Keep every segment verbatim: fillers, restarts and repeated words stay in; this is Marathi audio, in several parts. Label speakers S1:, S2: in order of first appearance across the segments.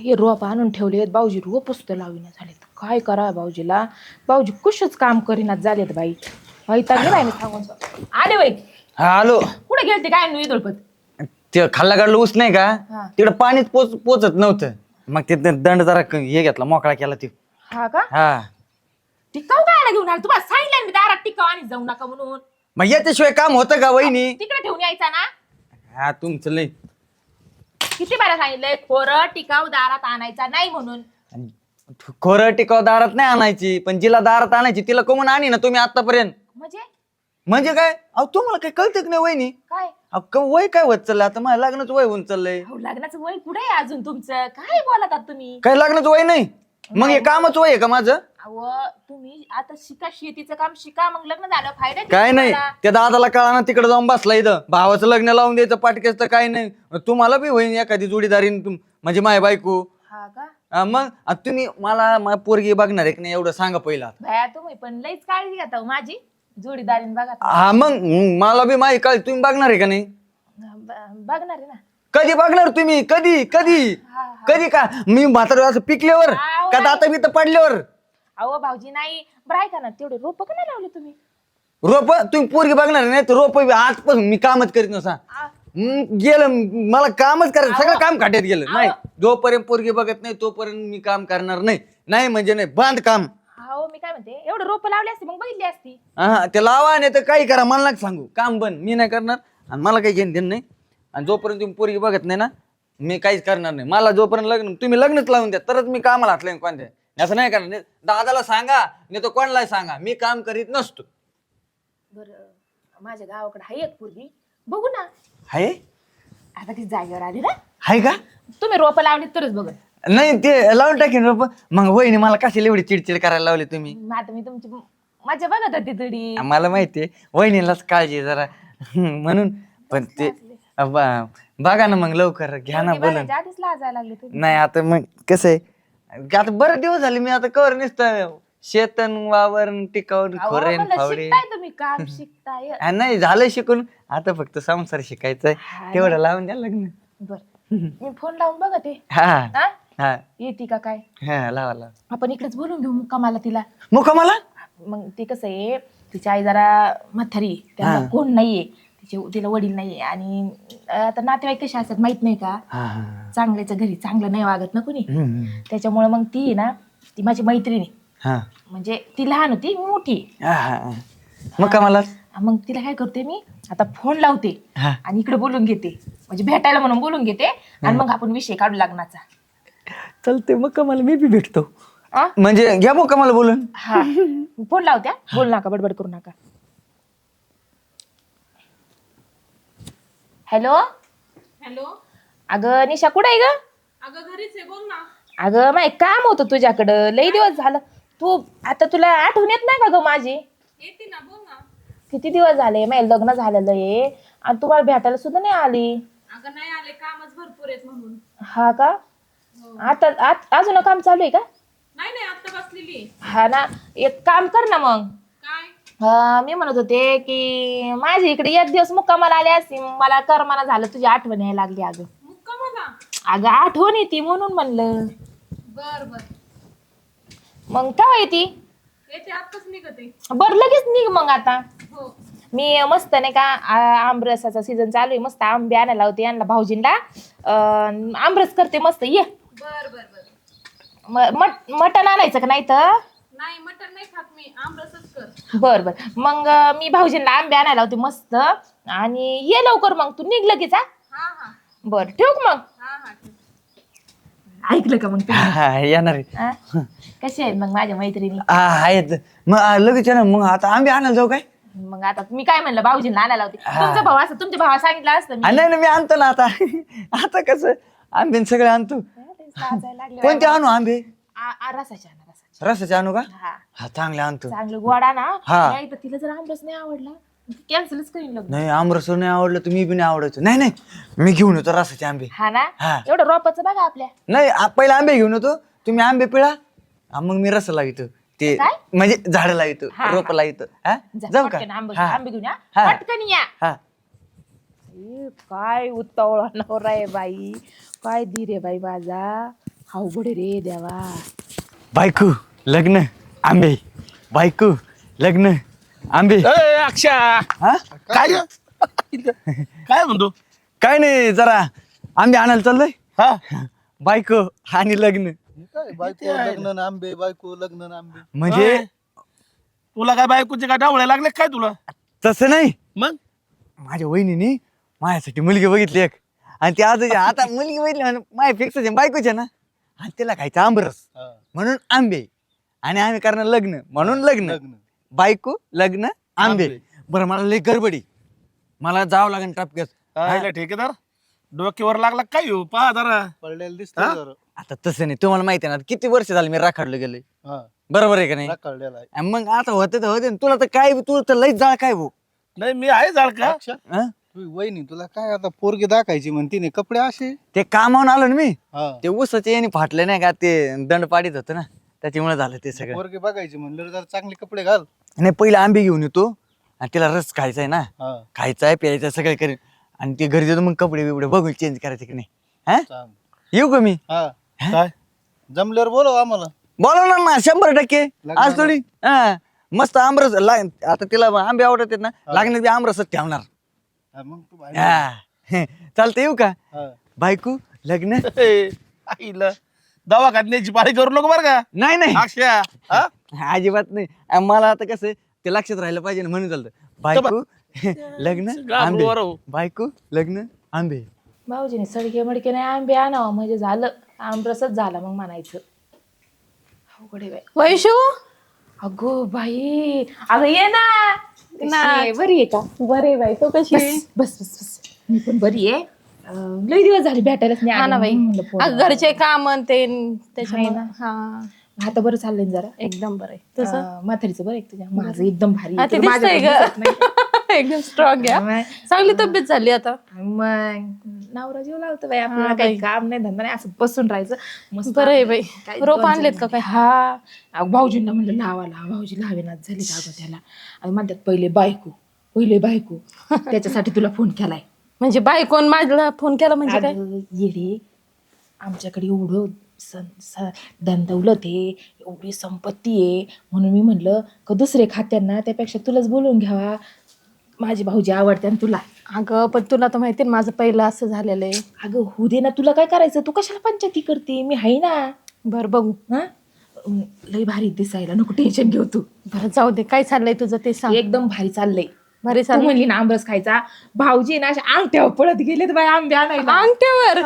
S1: हे रोप आणून ठेवलेत भाऊजी, रोप सुद्धा लाविना झालेत. काय करा भाऊजीला, भाऊजी कुशच काम करीनात झालेत बाई. वैताग गेलाय मी सांगून. आले बाई.
S2: हा आलो.
S1: कुठे गेलते काय नुई दळपत?
S2: ते खाल्ला काढलं ऊस नाही का,
S1: हा.
S2: तिकडं पाणीच पोच पोचत नव्हतं. मग ते दंड जरा क- हे घेतला, मोकळा केला ते.
S1: हा का?
S2: हा
S1: टिकाऊ काय घेऊन आला? तुम्हाला सांगितलं मी दारात टिकाऊ आणि जाऊ नका म्हणून.
S2: मग याच्याशिवाय काम होतं का वहिनी?
S1: तिकडे ठेवून यायचा ना.
S2: हा तुमचं लय.
S1: किती बारा सांगितलंय खोरं टिकाऊ दारात आणायचा नाही म्हणून.
S2: खोरं टिकाव दारात नाही आणायची, पण जिला दारात आणायची तिला कोण आणि ना तुम्ही आतापर्यंत.
S1: म्हणजे
S2: म्हणजे काय? अहो तुम्हाला काही कळतं की नाही वहिनी?
S1: काय?
S2: अहो, क- वय काय होत चाललंय आता? माझ्या लग्नाचं वय होऊन चाललंय.
S1: अहो, लग्नाचं वय कुठे आहे अजून तुमचं? काय बोलतात तुम्ही?
S2: काय लग्नाचं वय नाही? मग हे कामच वय आहे का माझं?
S1: अहो तुम्ही आता शिका, शेतीचं काम शिका, मग लग्न झालं फायदा किती
S2: काय नाही,
S1: तुम्हाला?
S2: त्या दादाला कळा ना, तिकडे जाऊन बसला इथं. भावाचं लग्न लावून द्यायचं पाटकेच तर काय नाही. तुम्हाला बी होईन एखादी जोडीदारीन तुम म्हणजे माय बायको.
S1: हा का?
S2: हा, मग आता तुम्ही मला मा- पोरगी बघणार आहे की नाही एवढं सांगा पहिला.
S1: भया तुम्ही पण लईच काळजी घेता हो माझी जोडीदारीन बघा.
S2: हा मग मग मला बी माही काय तुम्ही बघणार आहे का नाही?
S1: ब- बघणार आहे ना.
S2: कधी बघणार तुम्ही? कधी कधी
S1: हा, हा.
S2: कधी का मी म्हातारा असं पिकल्यावर
S1: आहो,
S2: का दाता मी तर पडल्यावर?
S1: अहो भाऊजी नाही बरं ऐका ना, तेवढे रोप का नाही लावले तुम्ही?
S2: रोप तुम्ही पोरगी बघणार नाही तर रोप आजपासून मी कामच करीत नसा.
S1: आ-
S2: हम्म, गेलं मला कामच करायचं, सगळं काम खाट्यात गेलं. नाही
S1: अहो.
S2: जोपर्यंत पोरगी बघत नाही तोपर्यंत मी काम करणार नाही. नाही म्हणजे नाही, बांध काम.
S1: अहो मी काय म्हणते, एवढे रोप लावले असते मग बघितली असती.
S2: हा ते लावा नाही तर काही करा, मला नका सांगू. काम बंद, मी नाही करणार आणि मला काही घेणं देणं नाही. आणि जोपर्यंत तुम्ही पोरगी बघत नाही ना, मी काहीच करणार नाही. मला जोपर्यंत लग्न तुम्ही लग्नच लावून द्या तरच मी कामाला हातलं कोणत्या. असं नाही करणार. दादाला सांगा नाही तर कोणालाही सांगा, मी काम करीत नसतो.
S1: बरं माझ्या गावाकडे आहे एक पोरगी, बघू ना.
S2: हाय
S1: आता ती जागेवर आली ना.
S2: हाय का?
S1: तुम्ही रोप लावली तरच बघ.
S2: नाही ते लावून टाकेन रोप. मग वहिनी मला कशाला एवढी चिडचिड करायला लावली तुम्ही?
S1: आता मी तुमची मजा बघत होती थोडी.
S2: मला माहितीये वहिनीलाच काळजी आहे जरा म्हणून. पण ते ब- बघा ना मग लवकर घ्या ना बोलून.
S1: बघायच्या आधीच लाजायला लागले तुम्ही.
S2: नाही आता मग कसं आहे, आता बरेच दिवस झाले मी आता कवर नसतं शेतन वावर टिकावून
S1: अहो,
S2: खोरेन
S1: म्हणलं
S2: फावडे.
S1: शिकताय तुम्ही काम शिकताय.
S2: हा, नाही झालं शिकून, आता फक्त संसार शिकायचाय.
S1: हा ना.
S2: तेवढं लावून द्या लग्न.
S1: बर मी फोन लावून बघते.
S2: हा
S1: हा?
S2: हा
S1: येते का काय?
S2: हा लावा लावा.
S1: आपण इकडेच बोलून घेऊ मुक्कामाला तिला.
S2: मग का मला
S1: मग ते कसं आहे, तिची आई जरा म्हातारी आहे, त्यांना
S2: हा.
S1: कोण नाहीये, तिचे तिला वडील नाहीये. आणि आता नातेवाईक कसे असतात माहित नाही का,
S2: हा, हा.
S1: चांगल्याच्या घरी चांगलं नाही वागत ना कुणी.
S2: हम्म.
S1: त्याच्यामुळे मग ती आहे ना, ती माझी मैत्रिणी,
S2: हा
S1: म्हणजे ती लहान होती मी मोठी.
S2: हा, हा. मग का मला
S1: मग तिला काय करते मी आता फोन लावते
S2: हा
S1: आणि इकडे बोलून घेते, म्हणजे भेटायला म्हणून बोलून घेते आणि मग आपण विषय काढू लग्नाचा.
S2: चालते. मग का मला मी बी भेटतो.
S1: आ?
S2: म्हणजे घ्या मग का मला बोलून.
S1: हा फोन लावत्या, बोल नका, बडबड करू नका. Hello
S3: hello.
S1: अगं निशा कुठे आहे ग?
S3: अगं घरीच आहे, बोल ना.
S1: अगं माय काम होतं तुझ्याकडं, लई दिवस झालं. तू आता तुला आठवण येत नाही का ग माझी?
S3: येते ना, बोल ना.
S1: किती दिवस झाले, माझं लग्न झालेलं आहे आणि तुम्हाला भेटायला सुद्धा नाही आली.
S3: अगं नाही आले, कामच भरपूर आहेत म्हणून.
S1: हा का? आता आत- अजून काम चालू आहे का?
S3: नाही नाही, आता बसलेली आहे.
S1: हा ना, एक काम कर ना मग.
S3: काय?
S1: अं, मी म्हणत होते की माझ्या इकडे एक दिवस मुक्कामाला आली असती, मला करमाना झालं, तुझी आठवण यायला लागली. अगं
S3: मुक्का मला.
S1: अगं आठवण येते म्हणून म्हणलं.
S3: बर बर,
S1: मग केव्हा येते?
S3: येते आत्ताच निघते.
S1: बरं लगेच निघ मग आता.
S3: हो.
S1: मी मस्त नाही का, आ- आमरसाचा सीझन चालू आहे, मस्त आंबे आणायला होते यांना भाऊजींना. अं, आमरस करते मस्त, ये.
S3: बर बर बर.
S1: म- मट मटण आणायचं का नाही तर?
S3: नाही मटण नाही खात मी, आमरसच कर.
S1: बर बर मग अं, मी भाऊजींना आंबे आणायला होते मस्त. आणि ये लवकर मग, तू निघ लगेच. हा
S3: हा हा
S1: बर ठेवू का मग?
S3: हा हा ठीक.
S1: ऐकलं का मग तुम्ही?
S2: हा येणार आहे.
S1: हा? कसे आहेत मग माझ्या मैत्रिणी?
S2: हा आहेत. मग आ, लगेच येणार. मग आता आंबे आणायला जाऊ काय?
S1: मग आता मी काय म्हणलं, भाऊजींना आणायला होते. तुमचा भाऊ असं तुमच्या भावा सांगितलं असतं
S2: आ,
S1: मी.
S2: नाही ना मी आणतो ना आता. आता कसं आंबे न सगळे आणतो.
S1: साजायला लागले.
S2: कोणते आणू आंबे?
S1: आ- आ, रसाचे आणा, रसाचे.
S2: रसाचे आणू का?
S1: हा
S2: हा चांगले आणतो.
S1: चांगलं गोडा ना.
S2: हा.
S1: नाही तर तिला जर आमरस नाही आवडला कॅन्सलच करीन लग्न.
S2: नाही आमरस नाही आवडलं तर मी बी नाही आवडायचं. नाही नाही मी घेऊन येतो रसाचे आंबे.
S1: हा ना.
S2: हा.
S1: एवढं रोपाचं बघा आपल्या.
S2: नाही आ- पहिले आंबे घेऊन येतो, तुम्ही आंबे पिळा, आ, मग मी रस लावितो. ते
S1: काय?
S2: म्हणजे झाड लावितो,
S1: हा,
S2: रोप
S1: हा.
S2: लावितो. हा
S1: जा,
S2: जाऊ का?
S1: पटकन आंबे
S2: हा.
S1: आंबे घेऊन या.
S2: हा.
S1: पटकन या.
S2: हा
S1: ए, काय उतावळा नवरा आहे बाई, काय धीर आहे बाई माझा. अवघड आहे रे देवा.
S2: बायको लग्न आंबे, बायको लग्न आंबे.
S4: ए, अक्षा
S2: हा
S4: काय काय म्हणतो
S2: काय नाही, जरा आंबे आणायला चाललोय.
S4: हा
S2: बायको आणि लग्न
S5: काय बायको लग्न ना आंबे, बायको लग्न ना आंबे.
S2: म्हणजे
S4: तुला काय बायकोचे काय डावळे लागले काय तुला
S2: तसं नाही,
S4: मग
S2: माझ्या वहिनीने माझ्यासाठी मुलगी बघितली एक, आणि ती आज आता मुलगी बघितली म्हणजे माझ्या फिक्स आहे, बायकोच आहे ना, आणि तिला खायचं आंबरस
S5: हा,
S2: म्हणून आंबे, आणि आम्ही करणार लग्न म्हणून लग्न.
S5: लग्न
S2: बायको लग्न आंबे.
S5: आंबे.
S2: बरं मला लई गडबडी, मला जावं लागेल टपक्यात.
S4: राहिला ठेकेदार डोक्यावर लागला काय हो पहा जरा
S5: पडलेलं
S4: हा?
S5: दिसतं जरा.
S2: आता तसं नाही, तुम्हाला माहिती आहे ना किती वर्ष झालं मी राखाडलं गेलोय,
S5: हा
S2: बरोबर आहे का नाही?
S5: कळलेला आहे.
S2: आणि मग आता होते तर होते, तुला तर काय तुला तर लईच जाळ काय भाऊ.
S4: नाही मी आहे जाळ का
S5: अक्षा,
S2: हं?
S5: तुझी वहिनी तुला काय आता पोरगी दाखायची म्हणती नाही, कपडे असे.
S2: ते कामावून आलो ना मी,
S5: हा
S2: ते ऊसाचे याने फाटले नाही का, ते दंड पाडीत होतं ना, त्याच्यामुळे झालं ते सगळं.
S5: पोरगी बघायची म्हणलं जरा चांगले कपडे घाल.
S2: नाही पहिले आंबे घेऊन येतो, आणि तिला रस खायचा आहे ना,
S5: हा
S2: खायचा आहे प्यायचा सगळं करेन, आणि ते घरी जातो मग कपडे बिपडे बघू चेंज करायचे की नाही. हा
S5: चांग.
S2: येऊ का मी?
S5: हा
S4: काय
S5: जमल्यावर बोलव आम्हाला.
S2: बोलवणार ना शंभर टक्के.
S5: लग्नाला.
S2: आज थोडी हा मस्त आमरस ला- आता तिला आंबे आवडत आहेत ना, लागण्यात बी आमरसच ठेवणार.
S5: हा, मग तू बाहेर.
S2: हा. चालतं येऊ का?
S5: हा.
S2: बायको लग्न
S4: ए, आईला दवाखान्याची पाळी करू नको बरं का
S2: नाही नाही
S4: अक्षा हा?
S2: अजिबात नाही. आ, मला आता कसं आहे, ते लक्षात राहिलं पाहिजे ना, म्हणून चालतं. बायको लग्न
S4: घाबरू
S2: आंबे,
S4: बरं.
S2: बायको लग्न आंबे.
S1: भाऊजीने सडके मडके नाही आंबे आणावं म्हणजे झालं, आंबरसच झाला मग म्हणायचं. अवघड आहे बाई.
S3: वैशू
S1: अगो बाई, अगं ये ना. कशी
S3: ना.
S1: आहे? बरी आहे का?
S3: बरे बाई तो कशी आहे?
S1: बस बस बस बस. मी पण बरी आहे. अं, लई दिवस झाले भेटायलाच नाही
S3: हा ना
S1: आले.
S3: बाई
S1: म्हणून म्हणलं फोन
S3: अगं, घरचे काम आणि ते त्याच्यामुळे
S1: आहे ना.
S3: हा
S1: आता बरं चाललंय ना जरा.
S3: एकदम बरं आहे तसं
S1: अं, म्हातारीचं बरं आहे का तुझ्या? माझं एकदम भारी
S3: हा,
S1: आहे.
S3: ते
S1: तुला
S3: दिसतंय
S1: माझ्याकडे दिसत नाही.
S3: ग एकदम स्ट्रॉंग आहे
S1: मग-
S3: चांगली तब्येत झाली आता
S1: मग नवरा जीव लावतो बाई आपल्याला,
S3: हा
S1: काही
S3: बाई.
S1: काम नाही धंदा नाही, असं बसून राहायचं मस्त.
S3: बरं आहे बाई.
S1: काही
S3: रोप
S1: दोन
S3: आणलेत
S1: चार
S3: का काय?
S1: हा अहो, भाऊजींना म्हणलं लावा लावा, भाऊजी लावेनाच झाली अगं त्याला. आणि म्हणतात पहिले बायको, पहिले बायको, त्याच्यासाठी तुला फोन केलाय.
S3: म्हणजे बायकोन माझ्याला फोन केला म्हणजे काय
S1: अगं, येडे, आमच्याकडे एवढं सन स- धनदौलत आहे, एवढी संपत्ती आहे, म्हणून मी म्हणलं का दुसरे खात्यांना त्यापेक्षा तुलाच बोलवून घ्यावा, माझी भाऊजी आवडते आणि तुला.
S3: अगं पण तुला तर माहिती ना माझं पहिलं असं झालेलं आहे
S1: अगं होऊ दे ना, तुला काय करायचं, तू कशाला पंचायती करते, मी आहे ना.
S3: बरं बघू
S1: हा अं, लई भारी दिसायला, नको टेन्शन घेऊ तू.
S3: बरं जाऊ दे काय चाललंय तुझं ते सांग
S1: एकदम भारी चाललंय.
S3: भारी
S1: तू
S3: चाललंय
S1: म्हणली ना आंबरस खायचा, भाऊजी ना अशा अंगठ्यावर पळत गेलेत बाई आंबे आणायला.
S3: अंगठ्यावर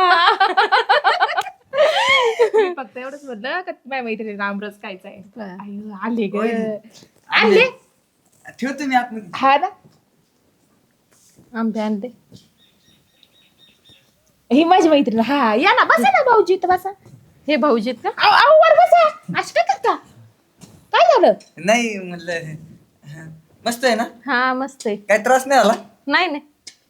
S1: मी फक्त एवढंच म्हणलं का माझ्या मैत्रिणीला आंबरस खायचा आहे. आयु, आले ग आणले.
S2: ठेवतो मी आतमध्ये.
S1: हा ना,
S3: आंबे आणले
S1: ही माझी मैत्रीण. हा या ना, बसा ना भाऊजी इथं बसा.
S3: हे भाऊजीत का
S1: आव आव, वर बसा. असं काय करता? काय झालं?
S2: नाही म्हणलं मस्त आहे ना,
S3: हा मस्त आहे
S2: काय त्रास नाही झाला.
S3: नाही नाही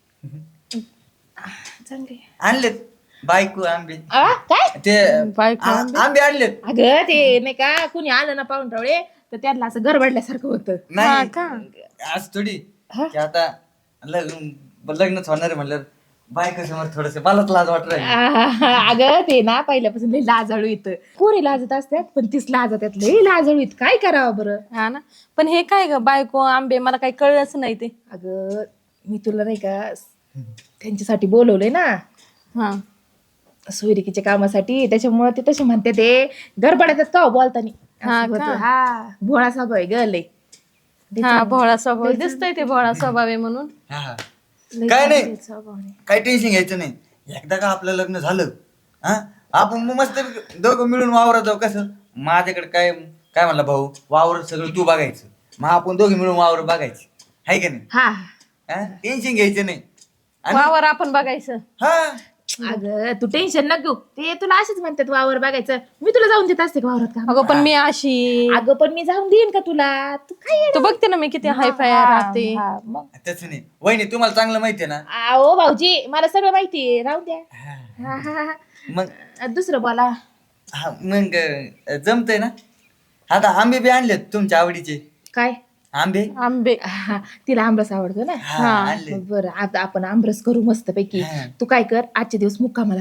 S1: चांगले.
S2: आणलेत बायको आंबे,
S1: आ, काय?
S2: ते
S3: बायको
S2: आ-
S3: आंबे?
S2: आंबे आणलेत.
S1: अगं ते नाही का, कुणी आलं ना पाहुणरावळे तर त्यांना असं गरबडल्यासारखं होतं.
S3: हा
S2: नाही
S3: का
S2: आज थोडी
S1: हा?
S2: की आता लग्न लग्नच होणार आहे म्हणलं, बायको समोर थोडस मलाच लाज वाटत राहिली.
S1: आ, अगं ते ना पहिल्यापासून लई लाजाळू येतं. पोरी लाजत असतात पण तीच लाजतात, लई लाजाळू येत. काय करावं बरं?
S3: हा ना पण हे काय ग बायको आंबे मला काही कळलंच नाही ते
S1: अगं मी तुला नाही का त्यांच्यासाठी बोलवलंय ना,
S3: हा
S1: सोयरिकीच्या कामासाठी, त्याच्यामुळे ते तसे म्हणते, ते गडबडात का हो बोलतानी.
S3: हा
S1: असं होतं.
S3: का?
S1: हा भोळा स्वभाव आहे ग लई.
S3: हा भोळा स्वभाव दिसतोय ते भोळा स्वभाव आहे म्हणून
S2: हा, हा.
S1: लई
S2: काय नाही.
S1: चांगला स्वभाव आहे.
S2: काही टेन्शन घ्यायचं नाही. एकदा का आपलं लग्न झालं, हा आपण मग मस्त दोघं मिळून वावरात जाऊ. कसं माझ्याकडे काय काय म्हणला भाऊ, वावर सगळं तू बघायचं, मग आपण दोघे मिळून वावर बघायची, आहे का नाही?
S1: हा
S2: टेन्शन घ्यायचं नाही. आणि-
S3: वावर आपण बघायचं
S2: हा
S1: अगं तू टेन्शन न घेऊ, ते तुला असेच म्हणतात वावर बघायचं. मी तुला जाऊन देत असते का वावरात का?
S3: अगं पण मी अशी
S1: अगं पण मी जाऊन देईन का तुला? तू काय येडं?
S3: तू बघते ना मी किती हाय फाय
S1: हा,
S3: राहते
S1: हा, मग
S2: तसं नाही वहिनी, तुम्हाला चांगलं माहितीये ना.
S1: आओ भाऊजी मला सगळं माहितीये, राहू द्या. हा, हा, हा.
S2: मग
S1: अ, दुसरं बोला.
S2: हा मग जमतंय ना. आता आंबे बी आणलेत तुमच्या आवडीचे
S1: काय?
S2: आंबे.
S3: आंबे
S1: हा, तिला आंबरस आवडतो ना.
S2: हा आणले.
S1: बरं आता आपण आंबरस करू मस्त पैकी.
S2: हा.
S1: तू काय कर, आजचे दिवस मुक्कामाला राहा.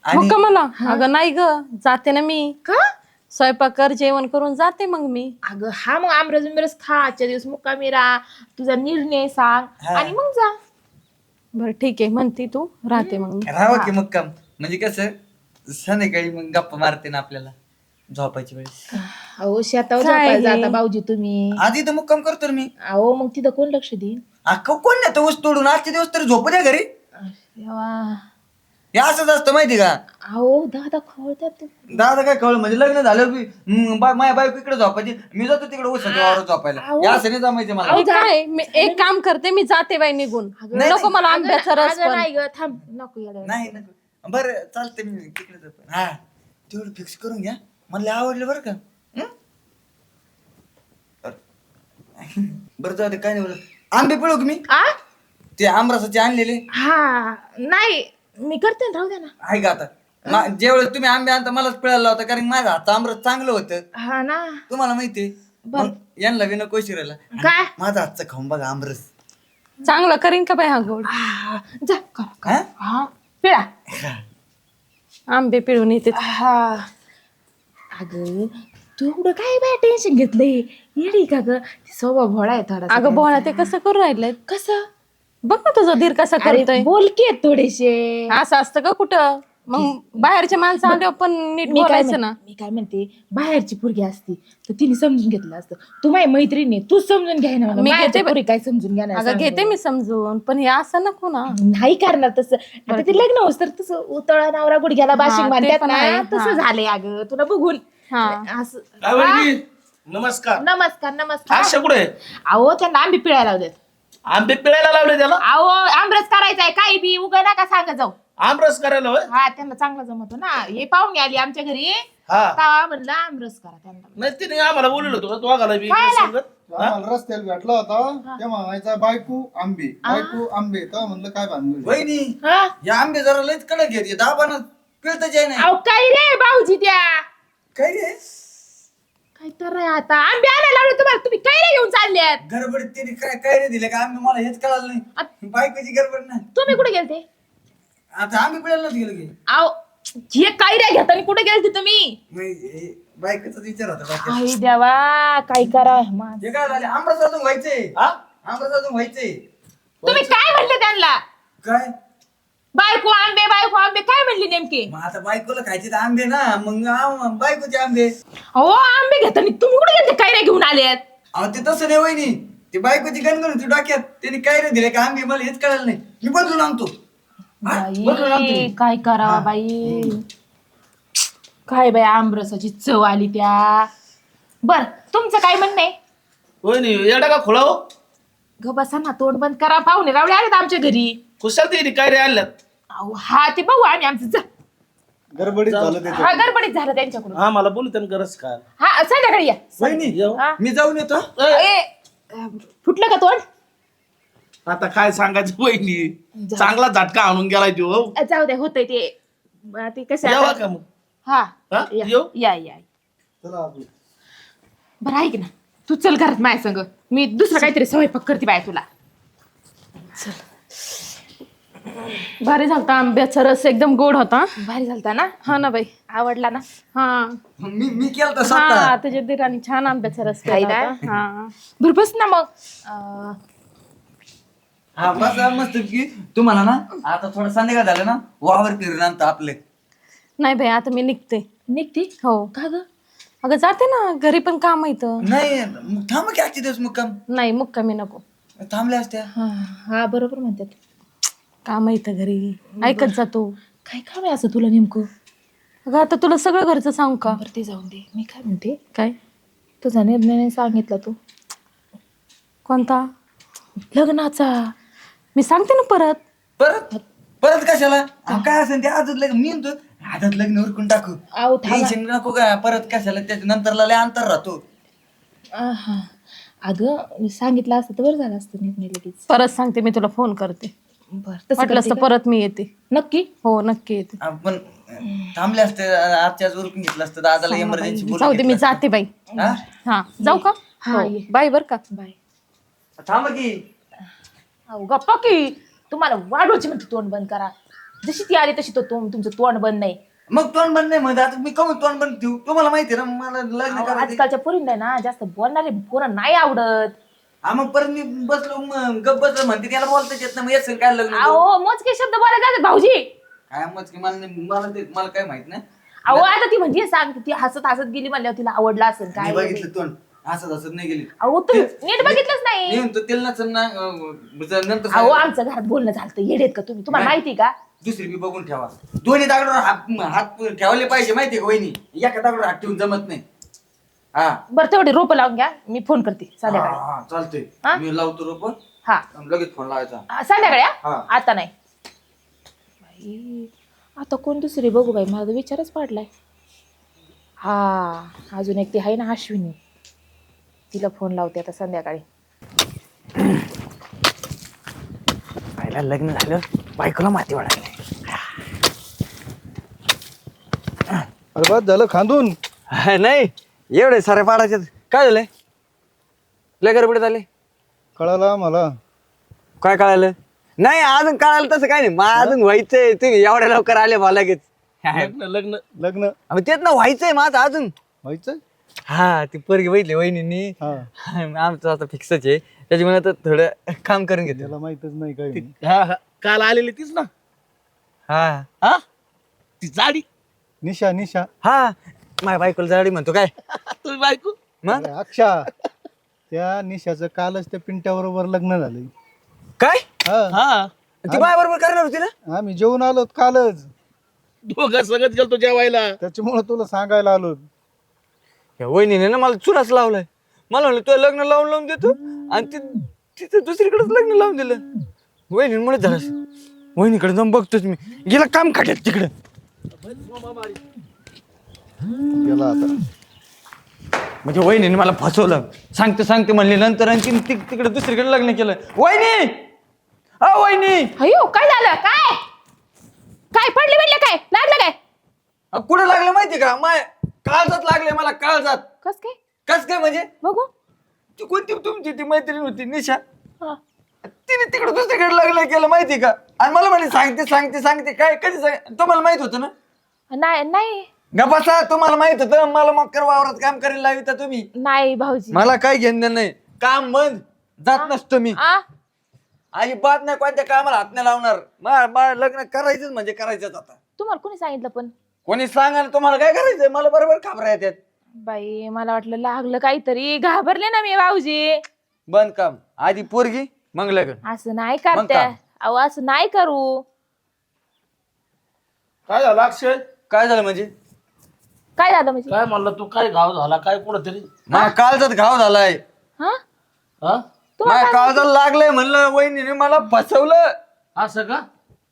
S2: आणि
S3: मग मला अगं नाही ग जाते ना मी
S1: का
S3: स्वयंपाक कर जेवण करून जाते मग मी
S1: अगं हा मग आमरस बिमरस खा आजच्या दिवस मुक्कामी राहा तुझा निर्णय सांग
S2: हा.
S1: आणि मग जा.
S3: बरं ठीक आहे म्हणते तू राहते मग मी
S2: राहावं की मुक्काम म्हणजे कसं संध्याकाळी मग गप्पा मारते ना आपल्याला झोपायची वेळेस.
S1: अहो शेतावर
S3: काय
S1: झोपायला
S3: हे?
S1: जाता भाऊजी तुम्ही.
S2: आधी तर मुक्काम करतो ना मी.
S1: अहो मग तिथं कोण लक्ष देईन.
S2: अख्खा कोण नाही तर ऊस तोडून आजचे दिवस तरी झोपू द्या घरी.
S1: देवा.
S2: हे असंच असतं माहिती का.
S1: अहो दादा खवळतात.
S2: दादा काय कळलं म्हणजे लग्न झालं की हम्म, बा- माझ्या बायको इकडे झोपायची मी जातो तिकडे ऊसाच्या वावरात झोपायला.
S1: अहो.
S2: हे असं नाही जमायचं मला.
S3: मी काय मी एक काम करते मी जाते बाई निघून
S2: नाही,
S3: नको मला आंब्याचा रस
S1: अगं
S3: पण
S1: नाही ग थांब नको येड्या.
S2: नाही नको बरं चालतंय मी तिकडे जातो. हा तेवढं फिक्स करून घ्या मला लय आवडलं बरं का. हं? बरं जाऊ दे काय नाही बरं आंबे पिळू का मी
S1: आ
S2: ते आमरसाचे आणलेले
S1: हा नाही मी करते ना राहू द्या ना.
S2: आहे का आता मा- ज्यावेळेस तुम्ही आंबे आणता मलाच पिळायला होता कारण माझं हातचं आमरस चांगलं होतं
S1: हा ना
S2: तुम्हाला माहितीये मग यांना विना कोशिरायला
S1: काय
S2: माझं हातचं खाऊन बघा आमरस.
S3: चांगलं करीन का बाई हा गोड
S1: हा, जा कर
S2: हा?
S1: हा पिळा
S3: आंबे पिळून येते
S1: हा अगं तू एवढं काय बाय टेन्शन घेतलंय येडी का ग ती स्वभाव भोळा आहे थोडा.
S3: अगं बोळा ते कसं करू राहिलंय
S1: कसं
S3: बघ ना तुझा धीर कसा करतोय
S1: बोलके थोडेसे.
S3: असं असतं का कुठं मग बाहेरच्या माणसं आल्यावर पण नीट
S1: मी काय
S3: बोलायचं
S1: म्हण-
S3: ना
S1: मी काय म्हणते बाहेरची पोरगी असती तर तिने समजून घेतलं असतं. तू माझी मैत्रीण आहे तू समजून घ्याय ना मला.
S3: मी
S1: बाहेरची
S3: घेते-
S1: पोरी काय समजून घ्या
S3: अगं घेते मी समजून पण हे असं नको ना
S1: नाही करणार तसं. आता ते लग्न होस तर तसं उतळा नवरा गुडघ्याला बाशिंग
S3: ते
S1: म्हणतात
S3: पण
S1: ना
S3: आहे,
S1: तसं
S3: हा.
S1: झालंय अगं तुला बघून
S3: हा
S1: असं.
S4: काय वहिनी? नमस्कार
S1: नमस्कार नमस्कार.
S4: अशा कुठे
S1: अहो त्यांना आंबे पिळायला लावतात.
S4: आंबे पिळायला लावले त्याला
S1: अहो आमरस करायचा आहे काही बी उगा नका सांगा जाऊ.
S4: आमरस करायला होय
S1: हा त्यांना चांगला जमतो ना हे पाहुणे आली आमच्या घरी
S4: हा
S1: तेव्हा म्हणलं आमरस करा त्यांना.
S4: नाही तिने आम्हाला बोललो होतो तो आगाला बी
S1: काय
S4: इकडे
S1: आला?
S4: सांगत. हा?
S5: आम्हाला रस्त्याला भेटला होता तेव्हा म्हणायचा बायको आंबे बायको आंबे तेव्हा म्हणलं काय भानगड
S2: वहिनी
S1: हा
S2: या आंबे जरा लयच कडक घेते दाबानं पिळतच आहे नाही
S1: अहो काय रे भाऊजी त्या
S2: काय रे
S1: काय तर आहे आता आंबे आणायला लावले तुम्हाला तुम्ही काय रे घेऊन चालल्यात.
S2: गडबड तिने काय काय रे दिले का आंबे मला हेच कळालं नाही बायकोची गडबड नाही.
S1: तुम्ही कुठे गेलते.
S2: आता आंबे पिळायलाच गेलो की
S1: अहो हे काय रे घेताना कुठे गेलते तुम्ही.
S2: मग हे बायकोचाच विचार होता बाकी
S1: आई देवा काय करा मा-
S2: हे काय झाले आमरस अजून व्हायचंय
S4: हा?
S2: आमरस अजून व्हायचंय
S1: तुम्ही काय म्हणले त्यांना.
S2: काय
S1: बायको आंबे बायको आंबे काय म्हणली नेमके.
S2: मग आता बायकोला खायचे तर आंबे ना मग आम- बायकोचे आंबे.
S1: अहो आंबे घेताना तुम्ही कुठे गेलते काय रे घेऊन आलेत.
S2: अहो ते तसं नाही वहिनी ते बायकोची गणगण होती डोक्यात त्यांनी काय रे दिले का आंबे मला हेच कळालं नाही मी बदलून आणतो हा? बदलून आणतो
S1: बाई
S2: मी.
S1: काय करा बाई काय बाई आमरसाची चव आली त्या. बर तुमचं काय म्हणणं आहे.
S4: वहिनी येडा का खोला हो
S1: ग बसा ना तोंड बंद करा पाहुणे रावळे आलेत आमच्या घरी.
S4: खुशाल ते काय रे आणल्यात
S1: अहो हा ते बघू आम्ही आमचं जा.
S5: गडबडीत झालं त्याचं
S1: हा गडबडीत झालं त्यांच्याकडून.
S4: हा मला बोलू त्यांना गरज काय
S1: हा संध्याकाळी या.
S2: वहिनी
S4: येऊ.
S1: हा.
S2: मी जाऊन येतो
S1: ए, अं, फुटलं का तोंड.
S4: आता काय सांगायचं वहिनी चांगला झटका आणून गेलाय तो हो.
S1: अं, जाऊ द्या होतंय ते अं, ते कसं
S4: यावा
S1: आता-
S4: का मग
S1: हा
S4: हा?
S1: या
S4: येऊ?
S1: या या.
S5: चला आपलं.
S1: बरं ऐक ना तू चल घरात माझ्या संग मी दुसरं काहीतरी स्वयंपाक करते बाय तुला.
S3: भारी झालता आंब्याचा रस एकदम गोड होता
S1: भारी झालता ना
S3: हा ना बाई
S1: आवडला ना.
S3: हा
S2: मी मी केलं तर
S3: हा
S2: स्वतः
S3: तुझ्या दिराने छान आंब्याचा रस
S1: काय
S3: केला
S1: काय?
S3: होता. हा
S1: बरं बस ना मग अं,
S2: हा बस मस्त की तुम्हाला ना आता थोडं संध्याकाळ झालं ना वावर फिरून आणतो आपले.
S3: नाही बाई आता मी निघते
S1: निघते
S3: हो
S1: का ग.
S3: अगं जाते ना घरी पण काम येतं
S2: नाही मग थांब की आजचे दिवस मग काम
S3: नाही मुक्कामी नको
S2: थांबले असत्या.
S1: हा हा बरोबर म्हणतात.
S3: काम येतं घरी ऐकत जातो
S1: काय काम आहे असं तुला नेमकं.
S3: अगं आता तुला सगळं घरचं सांगू का
S1: बरं ते जाऊन दे मी काय म्हणते
S3: काय
S1: तुझा निर्णय नाही सांगितला तू
S3: कोणता
S1: लग्नाचा.
S3: मी सांगते ना परत
S2: परत परत कशाला अहो, काय असेल ते आजच लग्न मी म्हणतो आजच लग्न उरकून टाकू
S1: अहो थांबा.
S2: टेन्शन नको का परत कशाला त्याच्या नंतरला लय अंतर राहतो.
S1: आहा. अगं सांगितलं असतं तर बरं झालं असतं निर्णय लगेच.
S3: परत सांगते मी तुला फोन करते
S1: बरं तसं
S3: वाटलं
S1: करते
S3: असतं
S1: का?
S3: परत मी येते
S1: नक्की.
S3: हो नक्की येते
S2: आपण थांबले असते आजच्या आज उरकून घेतलं असतं दादाला इमर्जन्सी
S3: जाऊ दे मी जाते बाई हा जाऊ का
S1: हा,
S3: हो.
S1: ये.
S3: बाय बर का
S1: बाय.
S2: थांब की
S1: अहो गप्पा की तुम्हाला वाढवायची म्हणते तोंड बंद करा. जशी ती आली तशी तो तुम- तुमचं तोंड बंद नाही.
S2: मग तोंड बंद नाही म्हणजे आता मी कमी तोंड बंद ठेवू तुम्हाला माहिती आहे ना मला लग्न
S1: अहो,
S2: करायचं
S1: आजकालच्या पोरींना ना जास्त बोलणारे पोरं नाही आवडत.
S2: हा मग परत मी बसलो मग गप बसलो म्हणते त्याला बोलताच येत ना मग येत काय लग्न करू?
S1: अहो मोजके शब्द बोलायला जातात भाऊजी.
S2: काय मग की मला नाही- मला ते मला काय माहित नाही
S1: अहो आता ती म्हणजे सांग ती हसत हसत गेली म्हणल्यावर तिला आवडला असेल
S2: मी
S1: काय.
S2: बघितलं तोंड असं असं नाही गेली
S1: अहो तुम्ही नीट बघितलंच नाही.
S2: नेऊन तर तेल नसेल ना अं, नंतर
S1: अहो
S2: सांगा.
S1: आमचं घरात बोलणं झालं येडेत का तुम्ही तुम्हाला
S2: नाही.
S1: माहिती का.
S2: दुसरी बी बघून ठेवा दोन्ही दागडावर हात हात ठेवले पाहिजे माहितीये का वहिनी एका दागडावर हात ठेवून जमत नाही हा
S1: बरं तेवढी रोपं लावून घ्या मी फोन करते
S2: हा,
S1: संध्याकाळी.
S2: हा, चालतंय
S1: हा?
S2: मी लावतो रोप
S1: हा
S2: लगेच फोन लावायचा
S1: हा, संध्याकाळी हा?
S2: हा.
S1: आता नाही. बाई आता कोण दुसरी बघू बाई माझा विचारच पडलाय. हा अजून एक ती आहे ना अश्विनी तिला फोन लावते आता संध्याकाळी.
S2: पहिला लग्न झालं बायकोला माती वाढायला
S5: अरे बस झालं खांदून.
S2: नाही एवढे सारे पाडायचे काय झालंय लय गडबडीत आले
S5: कळाला मला.
S2: काय कळालं नाही अजून कळालं तसं काय नाही मग अजून व्हायचंय तुम्ही एवढ्या लवकर आले मला लगेच
S4: लग्न लग्न
S5: लग्न
S2: अहो, तेच ना व्हायचंय माझं अजून
S5: व्हायचं.
S2: हा ती पोरगी बघितली वहिनींनी
S5: हा
S2: आमचं आता फिक्सच आहे त्याच्यामुळे आता थोडं काम करून घेतो
S5: त्याला माहितच नाही काय.
S4: हा हा काल आलेली तीच ना
S2: हा
S4: हा ती जाडी
S5: निशा निशा.
S2: हा माझ्या बायकोला जाडी म्हणतो काय
S4: तुम्ही बायको
S2: मग
S5: अरे अक्षा त्या निशाचं कालच त्या पिंट्या बरोबर लग्न झालंय.
S2: काय
S5: हा
S4: हा
S2: ती माझ्या बरोबर करणार होती ना
S5: आम्ही जेवून आलो कालच
S4: दोघं सगळं गेलतो जेवायला.
S5: त्याच्यामुळे तुला सांगायला आलो.
S2: या वहिनीने ना मला चुनाच लावलाय मला म्हणलं तुला लग्न लावून लावून देतो आणि ती तिथं दुसरीकडेच लग्न लावून दिलं वहिनीमुळे झालं असं. वहिनीकडे जाऊन बघतोच मी गेला काम खाट्यात तिकडं
S5: गेला आता.
S2: म्हणजे वहिनीने मला फसवलं सांगते सांगते म्हणले नंतर आणखी ती- तिकडे दुसरीकडे लग्न केलं वहिनी अ वहिनी
S1: अयो काय झालं काय काय पडले पडले काय लागलं काय.
S2: अ, कुठं लागलं माहिती का माय काळजात लागले मला काळजात
S1: कस काय
S2: कस काय म्हणजे
S1: बघू.
S2: ती कोणती तुमची ती मैत्रीण होती निशा
S1: हा.
S2: तिने तिकडे दुसरीकडे लग्न केलं माहिती का आणि मला म्हणे सांगते सांगते सांगते काय कधी सांग तुम्हाला माहित होतं ना
S1: नाही नाही
S2: गपासा तुम्हाला माहित होतं मला मग कर वावरात काम करायला लाविता तुम्ही
S1: नाही भाऊजी.
S2: मला काय घेणं नाही काम बंद जात नसतो मी
S1: आ
S2: अजिबात नाही कोणत्या कामाला हात नाही लावणार मा- मा- लग्न करायचंच म्हणजे करायचंच आता
S1: तुम्हाला कोणी सांगितलं पण.
S2: कोणी सांगा ना तुम्हाला काय करायचंय मला बरोबर खबरा येतात
S1: बाई मला वाटलं लागलं काहीतरी घाबरले ना मी भाऊजी.
S2: बंद काम आधी पोरगी मग लग्न
S1: असं नाही
S2: मग
S1: करते
S2: काय?
S1: अहो असं नाही करू.
S4: काय झालं अक्षय
S2: काय झालं म्हणजे
S1: काय झालं म्हणजे.
S4: काय म्हणलं तू काय घाव झाला काय कुठं तरी
S2: माझ्या काळजात घाव झालाय
S1: हा
S4: हा
S2: माझ्या काळजात लागलंय म्हणलं वहिनीने मला फसवलं
S4: असं का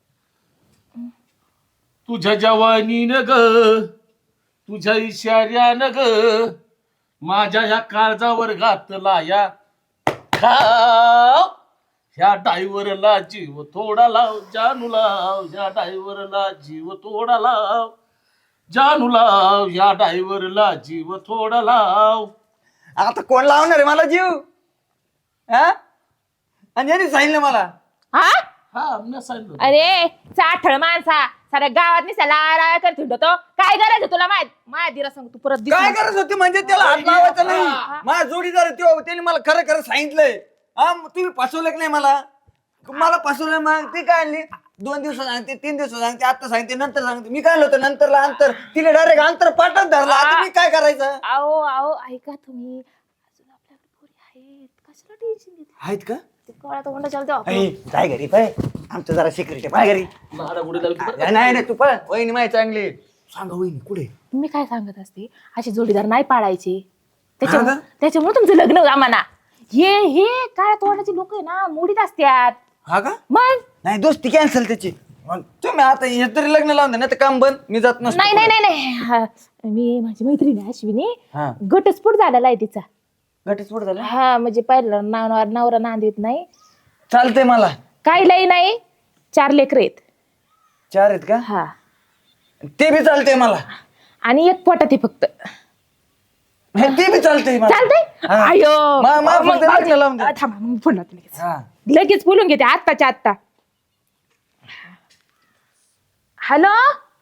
S4: तुझ्या जवानीनं ग तुझ्या इशाऱ्यानं ग माझ्या ह्या काळजावर घातला या खाव ह्या डायव्हरला जीव थोडा लाव जानू लाव ह्या डायव्हरला जीव थोडा लाव जानू लाव ह्या डायव्हरला जीव थोडा लाव.
S2: आता कोण लावणार आहे मला जीव हा आणि यांनी सांगितलं मला
S1: हा
S4: हा मी सांगितलं
S1: अरे चाठळ माणसा साऱ्या गावात निसाला करत हिंडतो काय करायचं तुला माहित माझ्या दिरा सांग तू परत दिसू
S2: काय
S1: नको.
S2: करत होते म्हणजे त्याला हात लावायचा नाही माझा जोडीदार आहे त्यो त्याने मला खरं खरं सांगितलंय हा मग तुम्ही फसवलं की नाही मला मला फसवलं मग ती काय आणली दोन दिवस सांगते तीन दिवस सांगते आता सांगते नंतर सांगते मी काय होतं नंतरला अंतर तिने डायरेक्ट अंतर पाठच धरला आता मी काय करायचं
S1: अहो अहो ऐका तुम्ही अजून आपल्याकडे पोरी आहेत कशाला टेन्शन घेते.
S2: आहेत का
S1: ते कळा तर होणं चालतं
S2: ऐ, जाय घरी पाय आमचं जरा सिक्रेट आहे पाय घरी
S4: लाडा गुडी लावली
S2: नाही नाही नाही, तू पण वहिनी माहिती चांगली सांगा वहिनी कुठे
S1: मी काय सांगत असते असे जोडीदार नाही पाळायचे
S2: हा
S1: त्याच्यामुळे
S2: का?
S1: त्याच्यामुळे तुमचं लग्न आम्हाला हे हे काय तोंडाची लोक आहे ना मोडीत असतात
S2: हा का
S1: मग
S2: नाही दोस्ती कॅन्सल त्याची मग तुम्ही आता हे तरी लग्न लावून द्या नाही तर काम बंद मी जात नसतो
S1: नाही नाही नाही नाही हा, मी माझी मैत्रीण आहे अश्विनी
S2: हा
S1: घटस्फोट झालेला आहे तिचा
S2: घटस्फोट झाला
S1: हा म्हणजे पहिला नवरा नवरा नांदीत नाही
S2: चालतंय मला
S1: काही लई नाही चार लेकर आहेत
S2: चार आहेत का
S1: हा
S2: ते बी चालतंय मला
S1: आणि एक पोटात आहे फक्त
S2: हे ते बी चालतंय मला.
S1: चालतंय
S2: हा.
S1: अयो
S2: मा- मा-
S1: मग
S2: फक्त लग्न लावून दे.
S1: थांबा मग फोन लावते लगेच
S2: हा
S1: लगेच बोलून घेते आत्ताच्या आत्ता हॅलो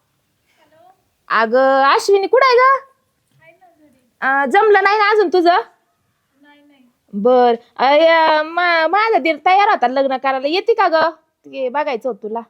S1: अगं अश्विनी कुठं आहे ग अं, जमलं नाही ना अजून तुझं बर अय, मा- माझा दीर तयार होता लग्न करायला येते का ग ते बघायचं होतं तुला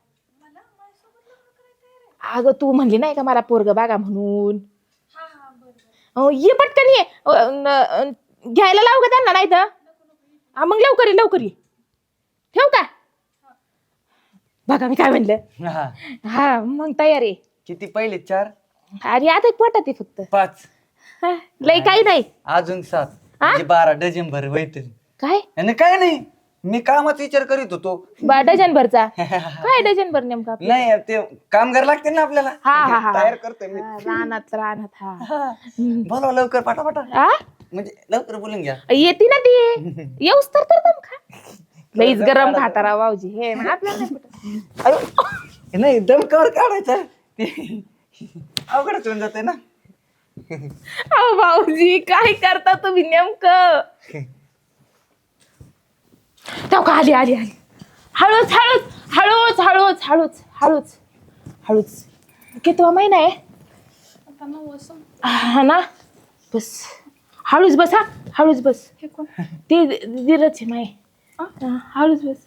S1: अगं तू म्हणली नाही का मला पोरग बघा म्हणून हो ये पटकन ये अ, न- अ, घ्यायला लावू का त्यांना नाही तर हा मग लवकर ये लवकर ये ठेवू का बघा मी काय म्हणलं
S2: हा.
S1: हा मग तयार आहे
S2: किती पहिले चार
S1: अरे आता एक पोटात आहे फक्त
S2: पाच
S1: हा, लय काही नाही
S2: अजून सात म्हणजे बारा डझन भर होईल
S1: काय
S2: आणि काय नाही मी कामाचा विचार करीत होतो
S1: बा डझन भरचा काय डझन भर नेमका आपलं?
S2: नाही ते कामगार लागते ना आपल्याला
S1: हा हा हा
S2: तयार करतोय मी
S1: हा, रानात रानात हा
S2: बोलवा लवकर पटापटा
S1: आ?
S2: म्हणजे लवकर बोलून घ्या
S1: येते ना ती येऊस तर तर दम खा लईच गरम खाता राव भाऊजी हे मग आपल्याला नाही पटत.
S2: अयो, नाही दमकावर काढायचं ते अवघडच होऊन जाते ना
S1: अहो भाऊजी काय करता तुम्ही नेमकं तेव्हा का आली आली आली हळूच हळूच हळूच हळूच हळूच हळूच हळूच कितवा महिना आहे हा ना बस हळूच बस हा हळूच बस ते दिरच आहे माय हा, हळूच बस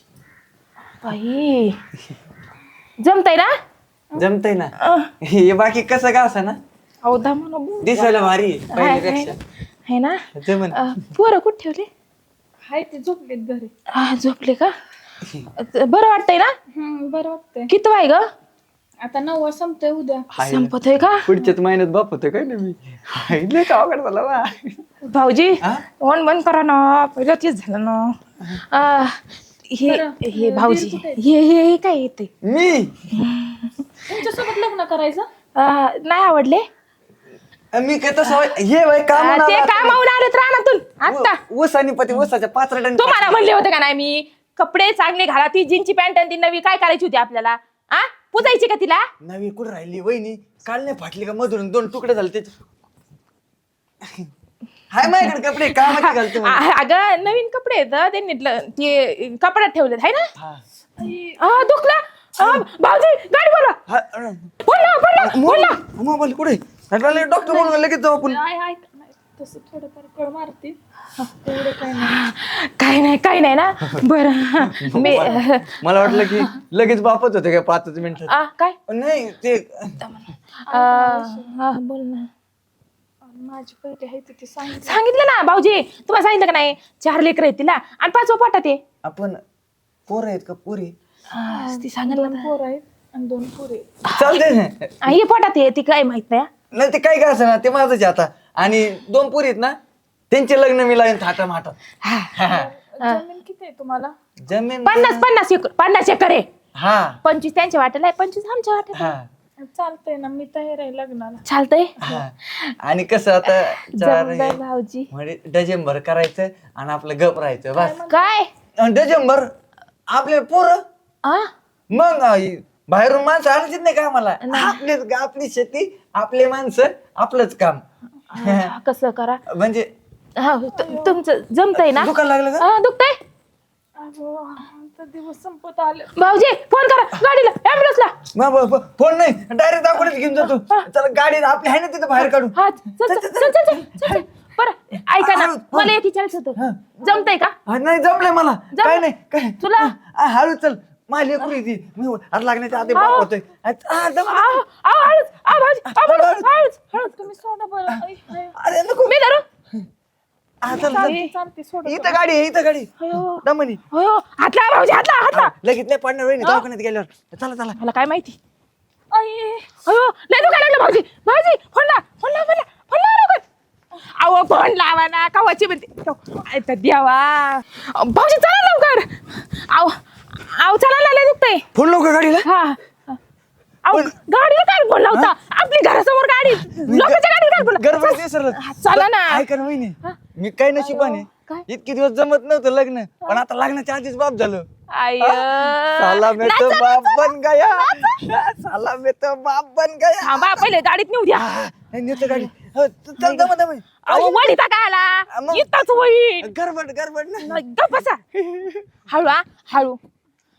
S1: बाई जमतय ना
S2: जमतय ना हे बाकी कसं का असं ना
S1: अहो दमा ना बोल.
S2: दिसायला भारी आहे,
S1: हाय, हाय.
S2: पहिल्यापेक्षा
S1: आहे ना
S2: जमन
S1: अं, पोरं कुठे ठेवले
S3: हाय ते झोपलेत घरी.
S1: हा झोपले का बरं वाटतंय ना
S3: बरं वाटतंय.
S1: किती आहे ग
S3: आता नववा संपतोय उद्या.
S2: हाय.
S1: संपत आहे का
S2: पुढच्याच महिन्यात बाप होतं काय ना मी हाय, लय का अवघड झालं बा.
S1: भाऊजी
S2: हा?
S1: ओन बंद करा ना पहिलं तेच झालं ना अं, हे
S3: बरं,
S1: हे
S3: अं,
S1: भाऊजी
S3: दीर कुठे आहेत?
S1: हे हे हे काय येते
S2: मी
S3: तुमच्यासोबत लग्न करायचं.
S1: नाही आवडले
S2: मी काय तसं होय- हे वय काम
S1: अं, ते कामावून आलेत रानातून आता
S2: ऊस आणि पती ऊसाच्या पाच रटांनी
S1: तुम्हाला म्हणले होते का नाही मी कपडे चांगले घाला ती जीनची पॅन्ट आणि ती नवी काय करायची होती आपल्याला आ पुजायची का तिला
S2: नवी कुठं राहिली वहिनी काल नाही फाटली का मधून दोन तुकडे झाले त्याचे हाय माझ्याकडे कपडे कामाचे घालते मला.
S1: आ- अगं नवीन कपडे आहेत हं, त्यांनी ल- ते कपड्यात ठेवलेत है ना
S2: हा.
S1: हा दुखला हा, भाऊजी गाडी बोला
S2: हा, अं,
S1: बोला बोला बोला
S2: मोबाईल मोबाईल कुठे डॉक्टर बोलून लगेच जाऊ आपण
S3: आय आय नाही तसं थोडंफार कळ मारते एवढं काय नाही.
S1: काही नाही काही नाही ना बरं मी
S2: मला वाटलं की लगेच बापच होते काय पाचच मिनिटात
S1: आ, काय
S2: नाही ते
S1: आ, हा बोल ना
S3: माझी पहिले आहे ते सांगितलं.
S1: सांगितलं ना भाऊजी तुम्हाला सांगितलं का नाही चार लेकर आहेत तिला आणि पाचवा पोटात आहे
S2: आपण पोर आहेत का पोरी
S1: हा, ती सांगितलं
S3: दोन पोर आहेत आणि दोन पोरे.
S2: चालते ना
S1: हा, हे पोटात आहे ती काय माहित नाही हा.
S2: नाही ते काय काय असं ना ते माझंच आहे आता आणि दोन पोरी आहेत ना त्यांचे लग्न मी लावेन थाटा माटा
S3: जमीन किती आहे तुम्हाला.
S2: जमीन
S1: पन्नास पन्नास एकर पन्नास एकर आहे
S2: हा
S1: पंचवीस त्यांच्या वाटेला आहे पंचवीस आमच्या वाटेला
S2: हा
S3: चालतंय ना मी तयार आहे लग्नाला.
S1: चालतंय
S2: हा. आणि कसं आता चार
S1: जमलंय भाऊजी
S2: म्हणजे डझेंबर करायचं आणि आपलं गप राहायचं बस
S1: काय
S2: आणि डझेंबर आपले पोरं
S1: आ
S2: मग आई, बाहेरून माणसं आणायचीच नाही का आम्हाला आपलीच आपली शेती आपले माणसं आपलंच काम
S1: हा, कसं करा
S2: म्हणजे
S1: हा तु- तुमचं जमतंय ना
S2: दुकान लागलं का
S1: हा, दुखतंय
S3: अगो आता दिवस संपत आले.
S1: भाऊजी फोन करा गाडीला ऍम्ब्युलन्सला
S2: मग ब- ब- फोन नाही डायरेक्ट दाखवूनच घेऊन जातो चला गाडी आपली आहे ना तिथं बाहेर काढू
S1: हा चल चल चल चल चल, चल बरं ऐका ना मला एक विचारायचं होतं जमतंय का
S2: हा, नाही जमलंय मला काय नाही काय
S1: तुला?
S2: हा, हळू चल माझी लेकरू आहे ती मी आता लागण्याच्या आधी बाप होतोय हा, दम-
S1: आव, आव, हळूच आव, भाऊजी, आव, भाऊजी, हळूच हळूच
S3: तुम्ही सोडा बरं. आय, आय.
S2: अरे नको
S1: मी धरू
S2: हा, चल, चल.
S3: चालते चालते सोडा.
S2: इथं गाडी आहे इथं गाडी
S1: अयो
S2: दमनी
S1: अयो हातला भाऊजी हातला हातला
S2: लगेच नाही पडणार वहिनी दवाखान्यात गेल्यावर चला चला
S1: मला काय माहिती
S3: आय.
S1: अयो लय दुखायला लागलं भाऊजी भाऊजी फोन ला फोन ला फोन ला फोन ला लवकर अहो फोन लावा ना कावाची म्हणते काय तर द्यावा भाऊजी चला लवकर आव आव चला ना लय दुखतंय
S2: फोन लावू का गाडीला
S1: हा अहो गाडीला काय फोन लावता आपली घरासमोर गाडी लोकांच्या गाडीला काय फोन
S2: गडबड विसरलं
S1: चला ना
S2: ऐका ना वहिनी मी काय नशिबाने
S1: काय?
S2: इतके दिवस जमत नव्हतं लग्न पण आता लग्नाच्या आधीच बाप झालो
S1: आय
S2: साला में तो बाप बन गया साला में तो बाप बन गया
S1: थांबा पहिले गाडीत नेऊ द्या
S2: हा, नाही, नेतो गाडी हो, च- चल दम दम
S1: अहो वडीता काय आला
S2: मग-
S1: इथंच होईल
S2: गडबड गडबड ना
S1: गप्प बसा हळू हा हळू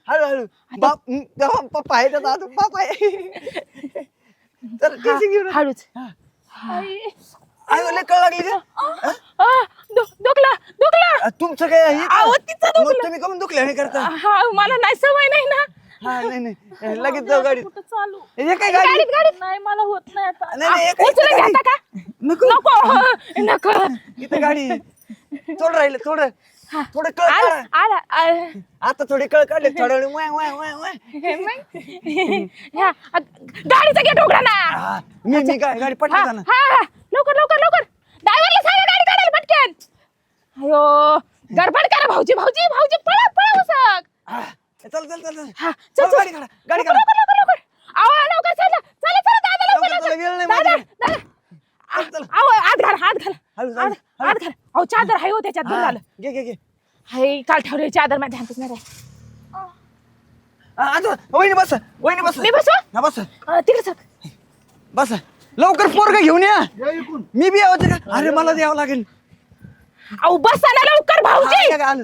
S2: हळू हळू बाप हं, तेव्हा पप्पा आहे त्याचा अजून बाप आहे तर टीसी घेऊन
S1: हळूच
S2: आयो लय कळ लागली का
S1: आ, दु- दुखला दुखला
S2: अ, तुमचं काय हे का?
S1: आहो, तिचं
S2: मग
S1: दुखलं.
S2: तुम्ही कमून दुखले नाही करता
S1: हा मला नाही सवय नाही ना
S2: हा नाही नाही लगेच जाऊ गाडीत
S3: कुठं चालू
S2: हे काय गाडी
S1: गाडीत गाडीत
S3: नाही मला होत नाही आता
S2: नाही नाही हे काय
S1: उचलून
S2: इथं
S1: घेता
S2: गाडी?
S1: का
S2: नको
S1: नको नको
S2: इथं गाडी थोडं राहिलं थोडं थोडं कळ
S1: आला
S2: काढा.
S1: आला आला.
S2: आता थोडी कळ काढले थोड्या वेळ वाय वाय वाय वाय
S1: हे मग? ह्या, अ, गाडीचा गेट उघडा ना
S2: हा, मी मी काय गाडी
S1: हा
S2: पटकन जा ना
S1: हा लवकर लवकर लवकर ड्रायव्हरला सांगा गाडी काढायला पटकन अयो गडबड करा भाऊजी भाऊजी भाऊजी पळा पळा उसक
S2: हा, चल चल चल चल
S1: हा
S2: चल,
S1: चल चल
S2: गाडी काढा गाडी
S1: लवकर,
S2: काढा
S1: लवकर लवकर लवकर आवा लवकर चला चला चला दादा लवकर
S2: लवकर, चला, वेळ नाही
S1: दादा
S2: माझ्याकडे.
S1: दादा
S2: चल, चल.
S1: आव आत घाल हात घाल
S2: हळू,
S1: आत
S2: हळू, हळू.
S1: आत घाल अहो चादर आहे हो त्याच्यात दूर
S2: हा,
S1: झालं
S2: घे घे घे
S1: हाय काल ठेवले चादर माझ्या हातच नाही राहिली.
S2: हा, आता वहिनी बस वहिनी बस
S1: मी बसू
S2: हा बस
S1: अ, तिकडे सर
S2: बस लवकर पोरग घेऊन या
S5: या इकडून.
S2: मी बी यावं का अरे मला द्यावं लागेल
S1: अहो बसा ना लवकर भाऊजी
S2: हा, या, आलं.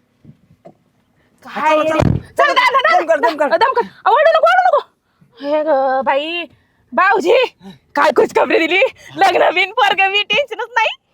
S1: काय
S2: चला,
S1: रे? चल दादा दादा
S2: दम कर, दम कर.
S1: दम कर अहो, ओरडू नको ओरडू नको हे ग बाई भाऊजी काय कुछ खबरी दिली लग्न बिन पोरग बी टेन्शनच नाही